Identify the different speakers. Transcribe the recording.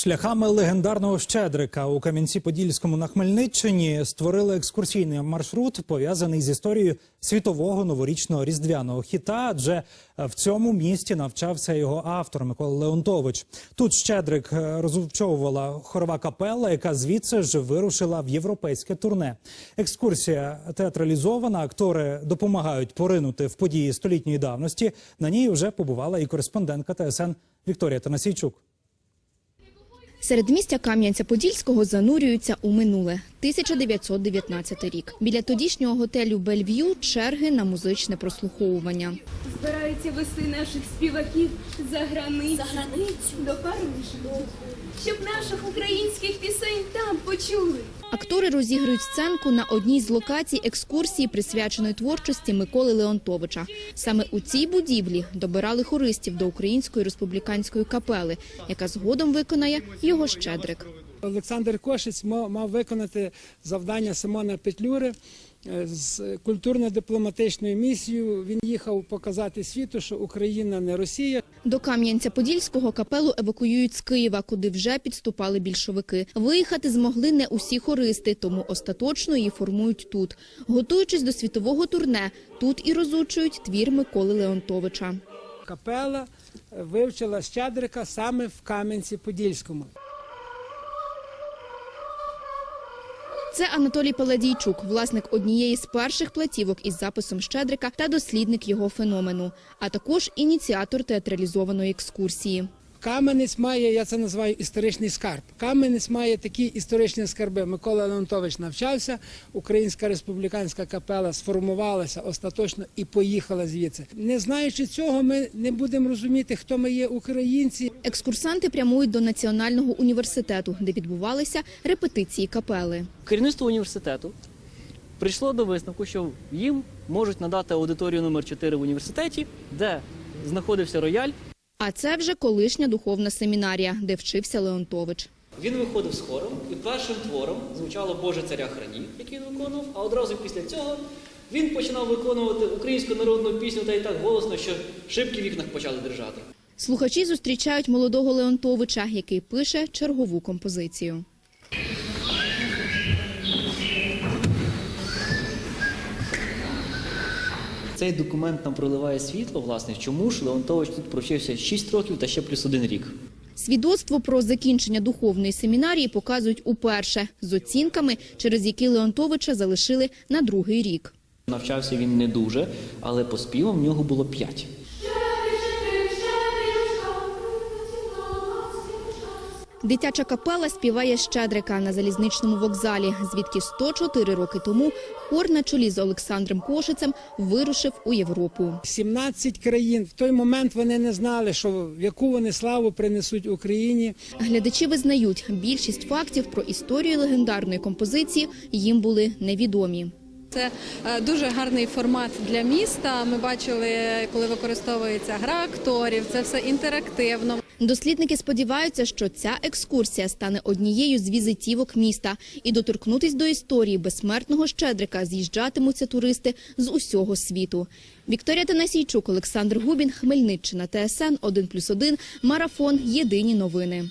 Speaker 1: Шляхами легендарного Щедрика у Кам'янці-Подільському на Хмельниччині створили екскурсійний маршрут, пов'язаний з історією світового новорічного різдвяного хіта, адже в цьому місті навчався його автор Микола Леонтович. Тут Щедрик розучовувала хорова капела, яка звідси ж вирушила в європейське турне. Екскурсія театралізована, актори допомагають поринути в події столітньої давності. На ній вже побувала і кореспондентка ТСН Вікторія Танасійчук.
Speaker 2: Середмістя Кам'янця-Подільського занурюються у минуле. 1919 рік. Біля тодішнього готелю «Бельв'ю» черги на музичне прослуховування.
Speaker 3: Збираються вести наших співаків за границю, до Парижа, щоб наших українських пісень там почули.
Speaker 2: Актори розігрують сценку на одній з локацій екскурсії, присвяченої творчості Миколи Леонтовича. Саме у цій будівлі добирали хористів до Української республіканської капели, яка згодом виконає його Щедрик.
Speaker 4: Олександр Кошиць мав виконати завдання Симона Петлюри з культурно-дипломатичною місією. Він їхав показати світу, що Україна не Росія.
Speaker 2: До Кам'янця-Подільського капелу евакуюють з Києва, куди вже підступали більшовики. Виїхати змогли не усі хористи, тому остаточно її формують тут. Готуючись до світового турне, тут і розучують твір Миколи Леонтовича.
Speaker 4: Капела вивчила Щедрика саме в Кам'янці-Подільському.
Speaker 2: Це Анатолій Паладійчук, власник однієї з перших платівок із записом Щедрика та дослідник його феномену, а також ініціатор театралізованої екскурсії.
Speaker 4: Кам'янець має, я це називаю, історичний скарб. Кам'янець має такі історичні скарби. Микола Леонтович навчався, Українська республіканська капела сформувалася остаточно і поїхала звідси. Не знаючи цього, ми не будемо розуміти, хто ми є українці.
Speaker 2: Екскурсанти прямують до Національного університету, де відбувалися репетиції капели.
Speaker 5: Керівництво університету прийшло до висновку, що їм можуть надати аудиторію номер 4 в університеті, де знаходився рояль.
Speaker 2: А це вже колишня духовна семінарія, де вчився Леонтович.
Speaker 5: Він виходив з хором, і першим твором звучало «Боже царя храні», який він виконував, а одразу після цього він починав виконувати українську народну пісню та й так голосно, що шибки в вікнах почали дрижати.
Speaker 2: Слухачі зустрічають молодого Леонтовича, який пише чергову композицію.
Speaker 5: Цей документ нам проливає світло, власне, чому ж Леонтович тут провчився 6 років та ще плюс 1 рік.
Speaker 2: Свідоцтво про закінчення духовної семінарії показують уперше з оцінками, через які Леонтовича залишили на 2-й рік.
Speaker 5: Навчався він не дуже, але по співам в нього було 5.
Speaker 2: Дитяча капела співає Щедрика на залізничному вокзалі, звідки 104 роки тому хор на чолі з Олександром Кошицем вирушив у Європу.
Speaker 4: 17 країн. В той момент вони не знали, що в яку вони славу принесуть Україні.
Speaker 2: Глядачі визнають, більшість фактів про історію легендарної композиції їм були невідомі.
Speaker 6: Це дуже гарний формат для міста. Ми бачили, коли використовується гра акторів, це все інтерактивно.
Speaker 2: Дослідники сподіваються, що ця екскурсія стане однією з візитівок міста. І доторкнутись до історії безсмертного Щедрика з'їжджатимуться туристи з усього світу. Вікторія Танасійчук, Олександр Губін, Хмельниччина, ТСН 1+1, Марафон, Єдині новини.